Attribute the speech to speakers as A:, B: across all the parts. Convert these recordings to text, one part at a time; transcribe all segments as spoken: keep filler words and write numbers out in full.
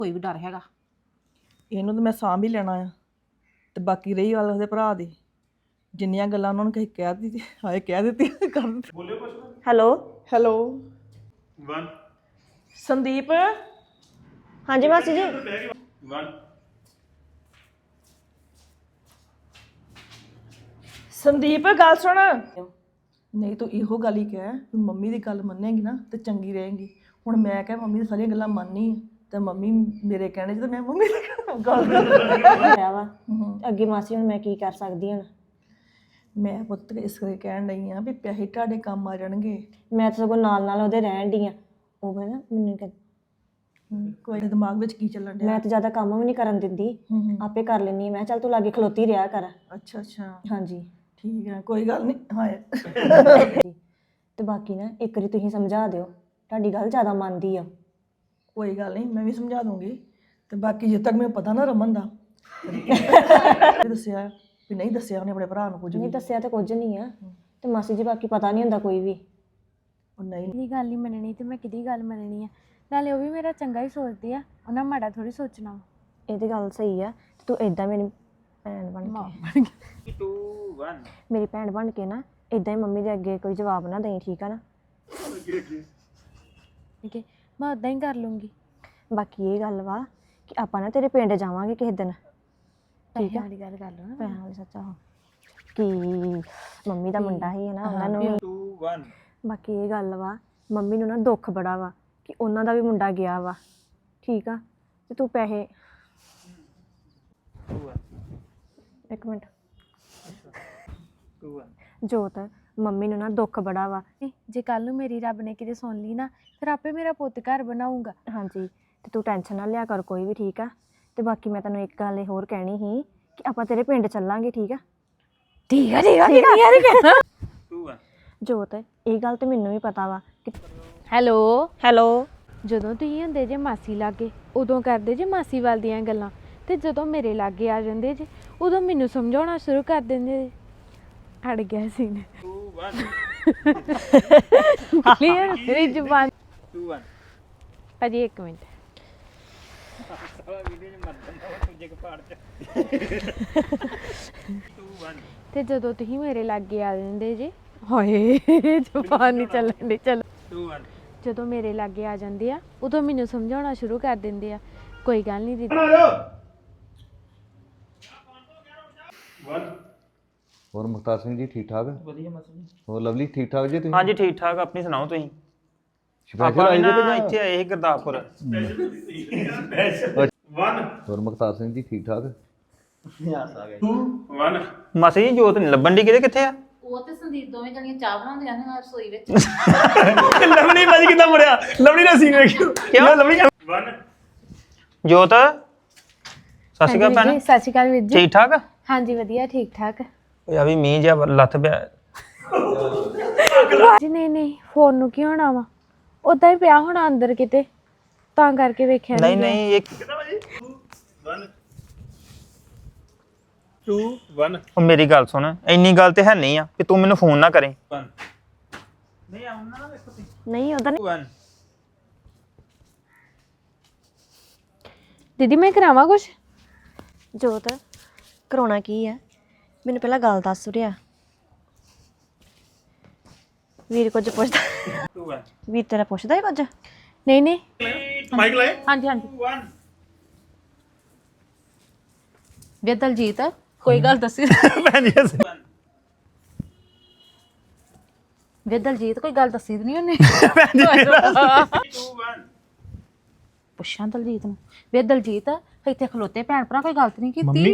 A: ਕੋਈ ਵੀ ਡਰ ਹੈਗਾ।
B: ਇਹਨੂੰ ਤਾਂ ਮੈਂ ਸਾਂਭ ਹੀ ਲੈਣਾ ਆ ਤੇ ਬਾਕੀ ਰਹੀ ਗੱਲ ਉਹਦੇ ਭਰਾ ਦੀ, ਜਿੰਨੀਆਂ ਗੱਲਾਂ ਉਹਨਾਂ ਨੂੰ ਕਹੀ ਕਹਿ ਦਿੱਤੀ ਹਾਏ ਕਹਿ ਦਿੱਤੀ ਕਰ ਦਿੱਤੀ।
C: ਹੈਲੋ
B: ਹੈਲੋ
D: वन
B: ਸੰਦੀਪ
C: ਹਾਂਜੀ ਮਾਸੀ ਜੀ
D: वन
B: ਸੰਦੀਪ ਗੱਲ ਸੁਣ। ਨਹੀਂ ਤੂੰ ਇਹੋ ਗੱਲ ਹੀ ਕਹਿ ਵੀ ਮੰਮੀ ਦੀ ਗੱਲ ਮੰਨੇਗੀ ਨਾ ਤੇ ਚੰਗੀ ਰਹੇਗੀ। ਹੁਣ ਮੈਂ ਕਿਹਾ ਮੰਮੀ ਦੀ ਸਾਰੀਆਂ ਗੱਲਾਂ ਮੰਨਨੀ ਤੇ ਮੰਮੀ ਮੇਰੇ ਕਹਿਣੇ 'ਚ ਤੇ ਮੈਂ ਮੰਮੀ ਦੀ ਗੱਲ
C: ਹੋਇਆ ਵਾ ਅੱਗੇ ਮਾਸੀ ਹੁਣ ਮੈਂ ਕੀ ਕਰ ਸਕਦੀ ਹਾਂ।
B: ਮੈਂ ਪੁੱਤ ਇਸ ਕਰਕੇ ਕਹਿਣ ਡਈ ਆ ਵੀ ਪੈਸੇ ਤੁਹਾਡੇ ਕੰਮ ਆ ਜਾਣਗੇ।
C: ਮੈਂ ਤਾਂ ਸਗੋਂ ਨਾਲ ਨਾਲ ਉਹਦੇ ਰਹਿਣ ਦੀ ਆ। ਉਹ ਕਹਿੰਦਾ ਮੈਨੂੰ ਕਹਿ
B: ਕੋਈ ਦਿਮਾਗ ਵਿੱਚ ਕੀ ਚੱਲਣ ਡਿਆ?
C: ਮੈਂ ਤਾਂ ਜ਼ਿਆਦਾ ਕੰਮ ਵੀ ਨਹੀਂ ਕਰਨ ਦਿੰਦੀ, ਆਪੇ ਕਰ ਲੈਂਦੀ ਹਾਂ। ਮੈਂ ਚੱਲ ਤੂੰ ਲਾਗੇ ਖਲੋਤੀ ਰਿਹਾ ਕਰ।
B: ਅੱਛਾ ਅੱਛਾ
C: ਹਾਂਜੀ
B: ਠੀਕ ਹੈ ਕੋਈ ਗੱਲ ਨਹੀਂ। ਹਾਏ
C: ਤੇ ਬਾਕੀ ਨਾ ਇੱਕ ਵਾਰੀ ਤੁਸੀਂ ਸਮਝਾ ਦਿਓ, ਤੁਹਾਡੀ ਗੱਲ ਜ਼ਿਆਦਾ ਮੰਨਦੀ ਆ।
B: ਕੋਈ ਗੱਲ ਨਹੀਂ ਮੈਂ ਵੀ ਸਮਝਾ ਦੂੰਗੀ ਤੇ ਬਾਕੀ ਜਿੱਦ ਤੱਕ ਮੈਨੂੰ ਪਤਾ ਨਾ ਰਮਨ ਦਾ ਦੱਸਿਆ ਵੀ ਨਹੀਂ ਦੱਸਿਆ ਉਹਨੇ ਆਪਣੇ ਭਰਾ ਨੂੰ ਕੁਝ
C: ਨਹੀਂ
B: ਵੀ।
C: ਦੱਸਿਆ ਤਾਂ ਕੁਝ ਨਹੀਂ ਆ ਤੇ ਮਾਸੀ ਜੀ ਬਾਕੀ ਪਤਾ ਨਹੀਂ ਹੁੰਦਾ ਕੋਈ ਵੀ।
B: ਉਹ ਨਹੀਂ
E: ਕਿਹਦੀ ਗੱਲ ਨਹੀਂ ਮੰਨਣੀ ਤੇ ਮੈਂ ਕਿਹਦੀ ਗੱਲ ਮੰਨਣੀ ਆ। ਨਾਲੇ ਉਹ ਵੀ ਮੇਰਾ ਚੰਗਾ ਹੀ ਸੋਚਦੇ ਆ, ਉਹਨਾਂ ਮਾੜਾ ਥੋੜੀ ਸੋਚਣਾ।
C: ਇਹ ਤੇ ਗੱਲ ਸਹੀ ਆ ਤੇ ਤੂੰ ਇਦਾਂ ਮੇਰੀ ਭੈਣ ਬਣ ਕੇ
D: टू वन
C: ਮੇਰੀ ਭੈਣ ਬਣ ਕੇ ਨਾ ਇਦਾਂ ਹੀ ਮੰਮੀ ਦੇ ਅੱਗੇ ਕੋਈ ਜਵਾਬ ਨਾ ਦੇਈ, ਠੀਕ ਆ ਨਾ?
E: ਠੀਕ ਹੈ ਮੈਂ ਉਦਾਂ ਹੀ ਕਰ ਲੂੰਗੀ।
C: ਬਾਕੀ ਇਹ ਗੱਲ ਵਾ ਕਿ ਆਪਾਂ ਨਾ ਤੇਰੇ ਪਿੰਡ ਜਾਵਾਂਗੇ ਕਿਸੇ ਦਿਨ, ਠੀਕ
E: ਪੈਸਿਆਂ
C: ਆ?
E: ਵਾਲੀ ਗੱਲ ਕਰ ਲਓ ਨਾ।
C: ਪੈਸਿਆਂ ਵਾਲੀ ਸੱਚਾ ਹੋ ਕਿ ਮੰਮੀ ਦਾ ਮੁੰਡਾ ਹੀ ਹੈ ਨਾ, ਉਹਨਾਂ ਨੂੰ ਵੀ।
D: टू वन
C: ਬਾਕੀ ਇਹ ਗੱਲ ਵਾ ਮੰਮੀ ਨੂੰ ਨਾ ਦੁੱਖ ਬੜਾ ਵਾ ਕਿ ਉਹਨਾਂ ਦਾ ਵੀ ਮੁੰਡਾ ਗਿਆ ਵਾ, ਠੀਕ ਆ? ਤੇ ਤੂੰ ਪੈਸੇ
D: टू वन
C: ਇੱਕ minute
D: two one
C: Jot, mummy ਨੂੰ ਨਾ ਦੁੱਖ ਬੜਾ ਵਾ।
E: ਜੇ ਕੱਲ ਨੂੰ ਮੇਰੀ ਰੱਬ ਨੇ ਕਿਤੇ ਸੁਣ ਲਈ ਨਾ ਫਿਰ ਆਪੇ ਮੇਰਾ ਪੁੱਤ ਘਰ ਬਣਾਊਗਾ।
C: ਹਾਂਜੀ ਤੇ ਤੂੰ ਟੈਨਸ਼ਨ ਨਾ ਲਿਆ ਕਰ ਕੋਈ ਵੀ, ਠੀਕ ਆ? ਤੇ ਬਾਕੀ ਮੈਂ ਤੈਨੂੰ ਇੱਕ ਗੱਲ ਹੋਰ ਕਹਿਣੀ ਸੀ ਕਿ ਆਪਾਂ ਤੇਰੇ ਪਿੰਡ ਚੱਲਾਂਗੇ, ਠੀਕ ਆ?
E: ਠੀਕ ਆ ਠੀਕ ਆ ਠੀਕ ਆ
D: टू वन
C: ਜੋਤ ਇਹ ਗੱਲ ਤੇ ਮੈਨੂੰ ਵੀ ਪਤਾ ਵਾ ਕਿ
E: ਹੈਲੋ
C: ਹੈਲੋ
E: ਜਦੋਂ ਤੁਸੀਂ ਹੁੰਦੇ ਜੇ ਮਾਸੀ ਲਾਗੇ ਉਦੋਂ ਕਰਦੇ ਜੇ ਮਾਸੀ ਵੱਲ ਦੀਆਂ ਗੱਲਾਂ, ਤੇ ਜਦੋਂ ਮੇਰੇ ਲਾਗੇ ਆ ਜਾਂਦੇ ਜੇ ਉਦੋਂ ਮੈਨੂੰ ਸਮਝਾਉਣਾ ਸ਼ੁਰੂ ਕਰ ਦਿੰਦੇ ਜੇ। ਅੜ ਗਿਆ ਸੀ ਨੇ
D: टू वन
E: ਕਲੀਅਰ ਮੇਰੀ ਜ਼ੁਬਾਨ।
D: टू वन
E: ਭਾਜੀ ਇੱਕ ਮਿੰਟ।
D: टू वन
E: ਤੇ ਜਦੋਂ ਤੁਸੀਂ ਮੇਰੇ ਲਾਗੇ ਆ ਜਾਂਦੇ ਜੇ, ਹਾਏ ਜ਼ੁਬਾਨ ਨਹੀਂ ਚੱਲਣ ਦੀ। ਚਲੋ
D: टू वन
E: ਜਦੋਂ ਮੇਰੇ ਲਾਗੇ ਆ ਜਾਂਦੇ ਆ ਉਦੋਂ ਮੈਨੂੰ ਸਮਝਾਉਣਾ ਸ਼ੁਰੂ ਕਰ ਦਿੰਦੇ ਆ। ਕੋਈ ਗੱਲ ਨਹੀਂ ਦੀਦੀ।
D: वन
F: ਹੋਰ ਮੁਖਤਾਰ ਸਿੰਘ ਜੀ ਠੀਕ ਠਾਕ?
B: ਵਧੀਆ ਮਸਲ
F: ਹੋਰ ਲਵਲੀ ਠੀਕ ਠਾਕ ਜੀ ਤੁਸੀਂ?
G: ਹਾਂਜੀ ਠੀਕ ਠਾਕ। ਆਪਣੀ ਸੁਣਾਓ ਤੁਸੀਂ?
F: ਸਪੈਸ਼ਲ
G: ਆਪਾਂ
F: ਆਏ
G: ਵੀ
F: ਜੇ ਕਿ
G: ਨਾ
F: ਜਾਂ-
G: ਇੱਥੇ ਆਏ ਸੀ ਗੁਰਦਾਸਪੁਰ।
D: वन
F: ਹੋਰ ਮੁਖਤਾਰ ਸਿੰਘ ਜੀ ਠੀਕ ਠਾਕ?
D: टू वन
G: ਮਾਸੀ ਜੀ ਜੋਤ ਨਹੀਂ ਲੱਭਣ ਦੀ, ਕਿਤੇ ਕਿੱਥੇ ਆ?
A: ਉਹ ਤੇ ਸੰਦੀਪ ਦੋਵੇਂ ਜਣੀਆਂ ਚਾਹ ਬਣਾਉਂਦੀਆਂ ਨੇ ਰਸੋਈ ਵਿੱਚ।
G: ਲਵਲੀ ਭਾਜੀ ਕਿੱਦਾਂ ਮੁੜਿਆ? ਲਵਲੀ ਦਾ ਸੀਨ ਵੇਖਿਓ ਕਿਉਂ ਲਵਲੀ
D: वन
G: ਜੋਤ ਸਤਿ ਸ਼੍ਰੀ ਅਕਾਲ ਭੈਣ।
E: ਸਤਿ ਸ਼੍ਰੀ ਅਕਾਲ ਵੀਰ ਜੀ।
G: ਠੀਕ ਠਾਕ?
E: ਹਾਂਜੀ ਵਧੀਆ ਠੀਕ ਠਾਕ।
G: ਓਏ ਆ ਵੀ ਮੀਂਹ ਜਿਹਾ ਲੱਥ ਪਿਆ।
E: ਜੀ ਨਹੀਂ ਨਹੀਂ ਫੋਨ ਨੂੰ ਕੀ ਹੋਣਾ ਵਾ, ਉਦਾਂ ਹੀ ਪਿਆ ਹੋਣਾ ਅੰਦਰ ਕਿਤੇ, ਤਾਂ ਕਰਕੇ ਵੇਖਿਆ
G: ਨਹੀਂ ਨਹੀਂ ਇੱਕ
D: वन टू वन
G: ਉਹ ਮੇਰੀ ਗੱਲ ਸੁਣ, ਇੰਨੀ ਗੱਲ ਤੇ ਹੈ ਨਹੀਂ ਆ ਕਿ ਤੂੰ ਮੈਨੂੰ ਫੋਨ ਨਾ ਕਰੇ।
D: वन नहीं आऊंगा ना देखो ती
C: ਨਹੀਂ ਉਹਦਾ
D: टू वन
E: ਦੀਦੀ ਮੈਂ ਕਰਾਵਾਂ ਕੁਛ?
C: ਜੋਤ ਕਰਾਉਣਾ ਕੀ ਆ? ਮੈਨੂੰ ਪਹਿਲਾਂ ਗੱਲ ਦੱਸ ਰਿਹਾ। ਵੀਰ ਕੁਝ ਪੁੱਛਦਾ?
D: टू वन
C: ਵੀਰ ਤੇਰਾ ਪੁੱਛਦਾ ਹੈ ਕੁਝ?
E: ਨਹੀਂ ਨਹੀਂ
D: माइक लाए
A: ਹਾਂਜੀ ਹਾਂਜੀ।
D: टू वन
A: ਵੇ ਦਲਜੀਤ ਕੋਈ ਗੱਲ ਦੱਸੀ।
G: ਭੈਣ ਜੀ ਅਸੀਂ-
A: ਵੇ ਦਲਜੀਤ ਕੋਈ ਗੱਲ ਦੱਸੀ ਤਾਂ ਨਹੀਂ ਉਹਨੇ।
D: टू वन
A: ਪੁੱਛਾਂ ਦਲਜੀਤ ਨੂੰ, ਵੇ ਦਲਜੀਤ ਇੱਥੇ ਖਲੋਤੇ ਭੈਣ ਭਰਾ ਕੋਈ ਗਲਤ ਨਹੀਂ ਕੀਤੀ?
G: ਮੰਮੀ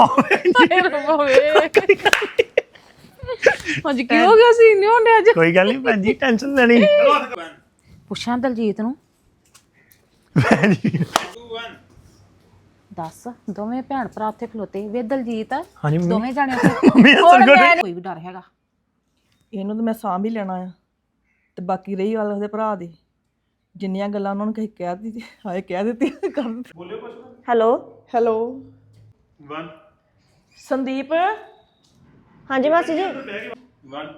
A: ਅੱਜ ਕੀ ਹੋ ਗਿਆ ਸੀ? ਨਹੀਂ ਹੁੰਦੇ ਅੱਜ।
G: ਕੋਈ ਗੱਲ ਨਹੀਂ ਭੈਣ ਜੀ ਟੈਨਸ਼ਨ ਲੈਣੀ।
D: वन
A: ਪੁੱਛਾਂ ਦਲਜੀਤ ਨੂੰ,
D: टू वन
A: ਦੱਸ ਦੋਵੇਂ ਭੈਣ ਭਰਾ ਉੱਥੇ ਖਲੋਤੇ, ਵੇ ਦਲਜੀਤ
G: ਹਾਂਜੀ ਮੰਮੀ।
A: ਦੋਵੇਂ ਜਾਣੇ ਉੱਥੇ
G: ਮੰਮੀ ਦਾ
A: ਹੋਰ
G: ਸਰਗੋਟ
A: ਮੈਂ- ਕੋਈ ਵੀ ਡਰ ਹੈਗਾ।
B: ਇਹਨੂੰ ਤਾਂ ਮੈਂ ਸਾਂਭ ਹੀ ਲੈਣਾ ਆ ਤੇ ਬਾਕੀ ਰਹੀ ਗੱਲ ਉਹਦੇ ਭਰਾ ਦੀ, ਜਿੰਨੀਆਂ ਗੱਲਾਂ ਉਹਨਾਂ ਨੂੰ ਕਹੀ ਕਹਿ ਦਿੱਤੀ ਹਾਏ ਕਹਿ ਦਿੱਤੀ ਕਰ ਦਿੱਤੀ।
C: ਹੈਲੋ
B: ਹੈਲੋ
D: वन
B: ਸੰਦੀਪ
C: ਹਾਂਜੀ ਮਾਸੀ ਜੀ।
D: वन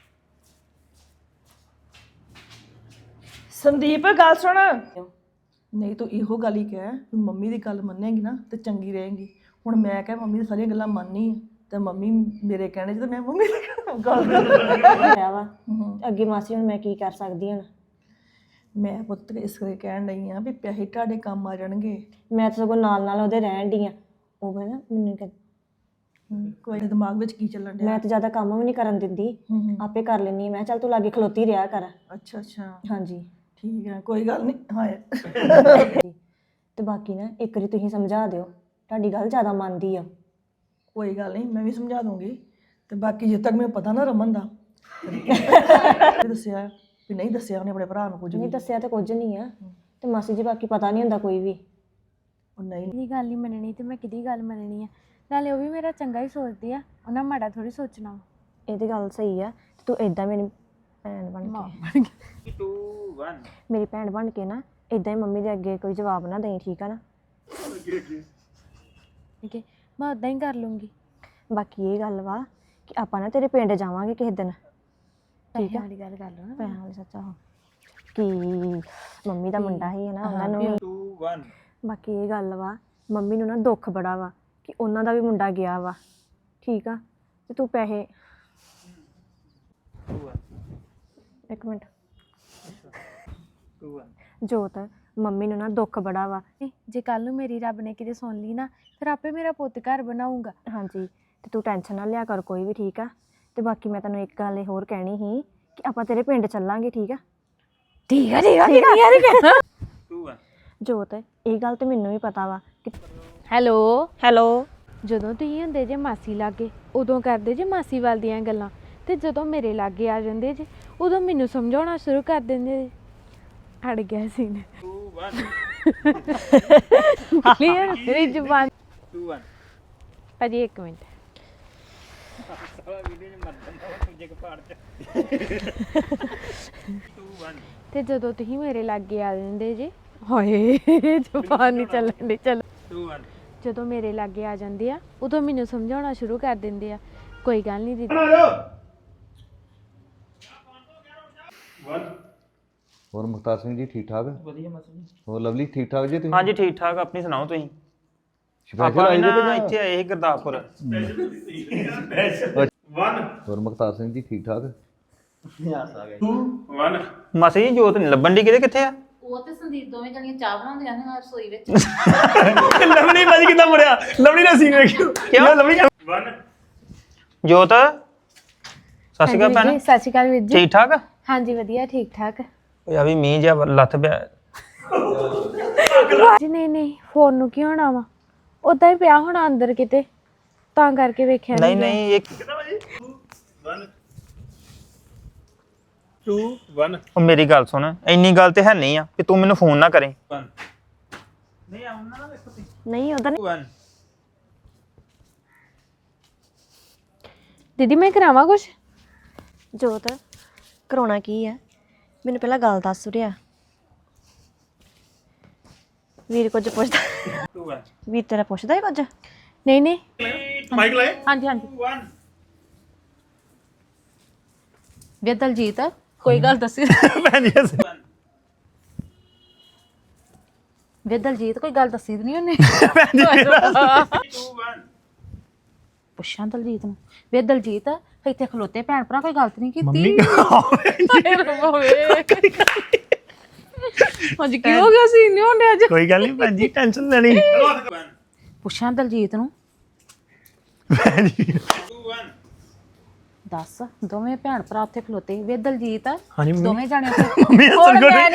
B: ਸੰਦੀਪ ਗੱਲ ਸੁਣ। ਨਹੀਂ ਤੂੰ ਇਹੋ ਗੱਲ ਹੀ ਕਹਿ ਵੀ ਮੰਮੀ ਦੀ ਗੱਲ ਮੰਨੇਗੀ ਨਾ ਤੇ ਚੰਗੀ ਰਹੇਗੀ। ਹੁਣ ਮੈਂ ਕਹਿ ਮੰਮੀ ਦੀ ਸਾਰੀਆਂ ਗੱਲਾਂ ਮੰਨਨੀ ਆ ਤੇ ਮੰਮੀ ਮੇਰੇ ਕਹਿਣੇ 'ਚ ਤੇ ਮੈਂ ਮੰਮੀ ਦੀ ਗੱਲ
C: ਹੋਇਆ ਵਾ ਅੱਗੇ ਮਾਸੀ ਹੁਣ ਮੈਂ ਕੀ ਕਰ ਸਕਦੀ ਹਾਂ?
B: ਮੈਂ ਪੁੱਤ ਇਸ ਕਰਕੇ ਕਹਿਣ ਡਈ ਆ ਵੀ ਪੈਸੇ ਤੁਹਾਡੇ ਕੰਮ ਆ ਜਾਣਗੇ।
C: ਮੈਂ ਤਾਂ ਸਗੋਂ ਨਾਲ ਨਾਲ ਉਹਦੇ ਰਹਿਣ ਦੀ ਆ। ਉਹ ਨਾ ਮੈਨੂੰ ਕਹਿ-
B: ਕੋਈ ਦਿਮਾਗ ਵਿੱਚ ਕੀ ਚੱਲਣ ਡਿਆ?
C: ਮੈਂ ਤਾਂ ਜ਼ਿਆਦਾ ਕੰਮ ਵੀ ਨਹੀਂ ਕਰਨ ਦਿੰਦੀ,
B: ਹੂੰ ਹੂੰ
C: ਆਪੇ ਕਰ ਲੈਂਦੀ ਹਾਂ। ਮੈਂ ਕਿਹਾ ਚੱਲ ਤੂੰ ਲਾਗੇ ਖਲੋਤੀ ਰਿਹਾ ਕਰ।
B: ਅੱਛਾ ਅੱਛਾ
C: ਹਾਂਜੀ
B: ਠੀਕ ਹੈ ਕੋਈ ਗੱਲ ਨਹੀਂ। ਹਾਂ
C: ਤੇ ਬਾਕੀ ਨਾ ਇੱਕ ਵਾਰੀ ਤੁਸੀਂ ਸਮਝਾ ਦਿਓ, ਤੁਹਾਡੀ ਗੱਲ ਜ਼ਿਆਦਾ ਮੰਨਦੀ ਆ।
B: ਕੋਈ ਗੱਲ ਨਹੀਂ, ਮੈਂ ਵੀ ਸਮਝਾ ਦੂੰਗੀ। ਤੇ ਬਾਕੀ ਜਿੱਦ ਤੱਕ ਮੈਨੂੰ ਪਤਾ ਨਾ ਰਮਨ ਦਾ ਦੱਸਿਆ ਵੀ ਨਹੀਂ ਦੱਸਿਆ ਉਹਨੇ ਆਪਣੇ ਭਰਾ ਨੂੰ ਕੁਝ
C: ਨਹੀਂ
B: ਵੀ।
C: ਦੱਸਿਆ ਤਾਂ ਕੁਝ ਨਹੀਂ ਆ। ਤੇ ਮਾਸੀ ਜੀ ਬਾਕੀ ਪਤਾ ਨਹੀਂ ਹੁੰਦਾ ਕੋਈ ਵੀ।
B: ਉਹ ਨਹੀਂ
E: ਕਿਹਦੀ ਗੱਲ ਨਹੀਂ ਮੰਨਣੀ ਤੇ ਮੈਂ ਕਿਹਦੀ ਗੱਲ ਮੰਨਣੀ ਆ? ਨਾਲੇ ਉਹ ਵੀ ਮੇਰਾ ਚੰਗਾ ਹੀ ਸੋਚਦੀ ਆ, ਉਹਨਾਂ ਮਾੜਾ ਥੋੜੀ ਸੋਚਣਾ ਵਾ।
C: ਇਹ ਤੇ ਗੱਲ ਸਹੀ ਆ। ਤੇ ਤੂੰ ਇਦਾਂ ਮੇਰੀ ਭੈਣ ਬਣ
E: ਮਾਂ
C: ਕੇ
E: ਬਣ ਗਈ।
D: two one
C: ਮੇਰੀ ਭੈਣ ਬਣ ਕੇ ਨਾ ਇਦਾਂ ਹੀ ਮੰਮੀ ਦੇ ਅੱਗੇ ਕੋਈ ਜਵਾਬ ਨਾ ਦੇਈ, ਠੀਕ ਆ ਨਾ?
E: ਠੀਕ ਹੈ, ਮੈਂ ਉਦਾਂ ਹੀ ਕਰ ਲੂੰਗੀ।
C: ਬਾਕੀ ਇਹ ਗੱਲ ਵਾ ਕਿ ਆਪਾਂ ਨਾ ਤੇਰੇ ਪਿੰਡ ਜਾਵਾਂਗੇ ਕਿਸੇ ਦਿਨ।
E: ਠੀਕ ਹੈ, ਵਾਲੀ ਗੱਲ ਕਰ ਲਓ ਨਾ।
C: ਪੈਸਿਆਂ ਵਾਲੀ ਸੱਚਾ ਹੋ ਕਿ ਮੰਮੀ ਦਾ ਮੁੰਡਾ ਹੀ ਹੈ ਨਾ, ਉਹਨਾਂ ਨੂੰ ਵੀ-
D: two one
C: ਬਾਕੀ ਇਹ ਗੱਲ ਵਾ ਮੰਮੀ ਨੂੰ ਨਾ ਦੁੱਖ ਬੜਾ ਵਾ ਕਿ ਉਹਨਾਂ ਦਾ ਵੀ ਮੁੰਡਾ ਗਿਆ ਵਾ, ਠੀਕ ਆ? ਤੇ ਤੂੰ ਪੈਸੇ
D: two one
C: ਇੱਕ minute
D: two one
C: Jot, mummy ਨੂੰ ਨਾ ਦੁੱਖ ਬੜਾ ਵਾ।
E: ਇਹ ਜੇ ਕੱਲ ਨੂੰ ਮੇਰੀ ਰੱਬ ਨੇ ਕਿਤੇ ਸੁਣ ਲਈ ਨਾ, ਫਿਰ ਆਪੇ ਮੇਰਾ ਪੁੱਤ ਘਰ ਬਣਾਊਗਾ।
C: ਹਾਂਜੀ ਤੇ ਤੂੰ ਟੈਨਸ਼ਨ ਨਾ ਲਿਆ ਕਰ ਕੋਈ ਵੀ, ਠੀਕ ਆ? ਤੇ ਬਾਕੀ ਮੈਂ ਤੈਨੂੰ ਇੱਕ ਗੱਲ ਇਹ ਹੋਰ ਕਹਿਣੀ ਸੀ ਕਿ ਆਪਾਂ ਤੇਰੇ ਪਿੰਡ ਚੱਲਾਂਗੇ, ਠੀਕ ਆ?
E: ਠੀਕ ਆ ਠੀਕ ਆ ਕਿੰਨੀ ਵਾਰੀ ਕਹਿਣਾ।
D: two one
C: ਜੋਤ, ਇਹ ਗੱਲ ਤੇ ਮੈਨੂੰ ਵੀ ਪਤਾ ਵਾ ਕਿ
E: ਹੈਲੋ,
C: ਹੈਲੋ
E: ਜਦੋਂ ਤੁਸੀਂ ਹੁੰਦੇ ਜੇ ਮਾਸੀ ਲਾਗੇ ਉਦੋਂ ਕਰਦੇ ਜੇ ਮਾਸੀ ਵੱਲ ਦੀਆਂ ਗੱਲਾਂ, ਤੇ ਜਦੋਂ ਮੇਰੇ ਲਾਗੇ ਆ ਜਾਂਦੇ ਜੇ ਉਦੋਂ ਮੈਨੂੰ ਸਮਝਾਉਣਾ ਸ਼ੁਰੂ ਕਰ ਦਿੰਦੇ ਜੇ। ਅੜ ਗਿਆ ਸੀ ਨੇ
D: two one
E: ਕਲੀਅਰ ਮੇਰੀ ਜ਼ੁਬਾਨ।
D: two one
E: ਭਾਜੀ ਇੱਕ ਮਿੰਟ,
D: two one
E: ਤੇ ਜਦੋਂ ਤੁਸੀਂ ਮੇਰੇ ਲਾਗੇ ਆ ਜਾਂਦੇ ਜੇ, ਹਾਏ ਜ਼ੁਬਾਨ ਨਹੀਂ ਚੱਲਣ ਦੀ। ਚਲੋ,
D: two one
E: ਜਦੋਂ ਮੇਰੇ ਲਾਗੇ ਆ ਜਾਂਦੇ ਆ ਉਦੋਂ ਮੈਨੂੰ ਸਮਝਾਉਣਾ ਸ਼ੁਰੂ ਕਰ ਦਿੰਦੇ ਆ। ਕੋਈ ਗੱਲ ਨਹੀਂ ਦੀਦੀ।
D: one
F: ਹੋਰ ਮੁਖਤਾਰ ਸਿੰਘ ਜੀ ਠੀਕ ਠਾਕ?
G: ਵਧੀਆ ਮਾਸੀ ਜੀ।
F: ਹੋਰ ਲਵਲੀ ਠੀਕ ਠਾਕ ਜੀ ਤੁਸੀਂ?
G: ਹਾਂਜੀ ਠੀਕ ਠਾਕ, ਆਪਣੀ ਸੁਣਾਓ ਤੁਸੀਂ?
F: ਸਪੈਸ਼ਲ
G: ਆਪਾਂ
F: ਆਏ
G: ਵੀ
F: ਜੇ
G: ਨਾ
F: ਕਿ ਜਾਂ-
G: ਇੱਥੇ ਆਏ ਸੀ ਗੁਰਦਾਸਪੁਰ।
D: one
F: ਹੋਰ ਮੁਖਤਾਰ ਸਿੰਘ ਜੀ ਠੀਕ ਠਾਕ?
D: two one
G: ਮਾਸੀ ਜੀ ਜੋਤ ਨਹੀਂ ਲੱਭਣ ਦੀ, ਕਿਤੇ ਕਿੱਥੇ ਆ?
A: ਉਹ ਤੇ ਸੰਦੀਪ ਦੋਵੇਂ ਜਣੀਆਂ ਚਾਹ ਬਣਾਉਂਦੀਆਂ ਨੇ ਰਸੋਈ ਵਿੱਚ।
G: ਲਵਲੀ ਭਾਜੀ ਕਿੱਦਾਂ ਮੁੜਿਆ? ਲਵਲੀ ਦਾ ਸੀਨ ਵੇਖਿਓ। ਕਿਉਂ ਲਵਲੀ?
D: one
G: ਜੋਤ ਸਤਿ ਸ਼੍ਰੀ ਅਕਾਲ
E: ਹਾਂਜੀ
G: ਭੈਣ,
E: ਜੀ, ਸਤਿ ਸ਼੍ਰੀ ਅਕਾਲ ਵੀਰ ਜੀ।
G: ਠੀਕ ਠਾਕ?
E: ਹਾਂਜੀ ਵਧੀਆ, ਠੀਕ ਠਾਕ
G: ਓਏ ਆ ਵੀ ਮੀਂਹ ਜਿਹਾ ਲੱਥ ਪਿਆ।
E: ਜੀ। ਨਹੀਂ ਨਹੀਂ, ਫੋਨ ਨੂੰ ਕੀ ਹੋਣਾ ਵਾ, ਉਦਾਂ ਹੀ ਪਿਆ ਹੋਣਾ ਅੰਦਰ ਕਿਤੇ, ਤਾਂ ਕਰਕੇ ਵੇਖਿਆ
G: ਨਹੀਂ
E: ਗਿਆ।
G: ਨਹੀਂ ਇੱਕ
D: one two one
G: ਉਹ ਮੇਰੀ ਗੱਲ ਸੁਣ, ਇੰਨੀ ਗੱਲ ਤੇ ਹੈ ਨਹੀਂ ਆ ਕਿ ਤੂੰ ਮੈਨੂੰ ਫੋਨ ਨਾ ਕਰੇ।
D: one ਨਹੀਂ ਆਉਣਾ ਨਾ ਵੇਖੋ ਤੁਸੀਂ
C: ਨਹੀਂ ਉਹਦਾ
D: two one
E: ਦੀਦੀ ਮੈਂ ਕਰਾਵਾਂ ਕੁਛ?
C: ਜੋਤ, ਕਰਾਉਣਾ ਕੀ ਆ? ਮੈਨੂੰ ਪਹਿਲਾਂ ਗੱਲ ਦੱਸ ਰਿਹਾ। ਵੀਰ ਕੁਝ ਪੁੱਛਦਾ?
D: two one
C: ਵੀਰ ਤੇਰਾ ਪੁੱਛਦਾ ਹੈ ਕੁਝ?
E: ਨਹੀਂ ਨਹੀਂ,
D: ਮਾਈਕ ਲਾਏ
A: ਹਾਂਜੀ ਹਾਂਜੀ।
D: two one
A: ਵੇ ਦਲਜੀਤ, ਕੋਈ ਗੱਲ ਦੱਸੀ।
G: ਭੈਣ ਜੀ
D: one
A: ਵੇ ਦਲਜੀਤ, ਕੋਈ ਗੱਲ ਦੱਸੀ ਤਾਂ ਨਹੀਂ ਉਹਨੇ?
D: two one
A: ਪੁੱਛਾਂ ਦਲਜੀਤ ਨੂੰ। ਵੇ ਦਲਜੀਤ, ਇੱਥੇ ਖਲੋਤੇ ਭੈਣ ਭਰਾ ਕੋਈ ਗਲਤ ਨਹੀਂ ਕੀਤੀ?
G: ਮੰਮੀ
A: ਹਾਂਜੀ ਕੀ ਹੋ ਗਿਆ ਸੀ? ਨਹੀਂ ਹੁੰਦੇ ਅੱਜ।
G: ਕੋਈ ਗੱਲ ਨਹੀਂ ਭੈਣ ਜੀ, ਟੈਨਸ਼ਨ ਲੈਣੀ।
D: one
A: ਪੁੱਛਾਂ ਦਲਜੀਤ ਨੂੰ।
G: ਭੈਣ ਜੀ
D: two one
A: ਦੱਸ, ਦੋਵੇਂ ਭੈਣ ਭਰਾ ਉੱਥੇ ਖਲੋਤੇ। ਵੇ ਦਲਜੀਤ,
G: ਹਾਂਜੀ ਮੰਮੀ।
A: ਦੋਵੇਂ ਜਾਣੇ ਉੱਥੇ
G: ਮੰਮੀ ਹੱਸਣ
A: ਹੁਣ
G: ਕਿਉਂ
A: ਮੈਂ
G: ਡਈ?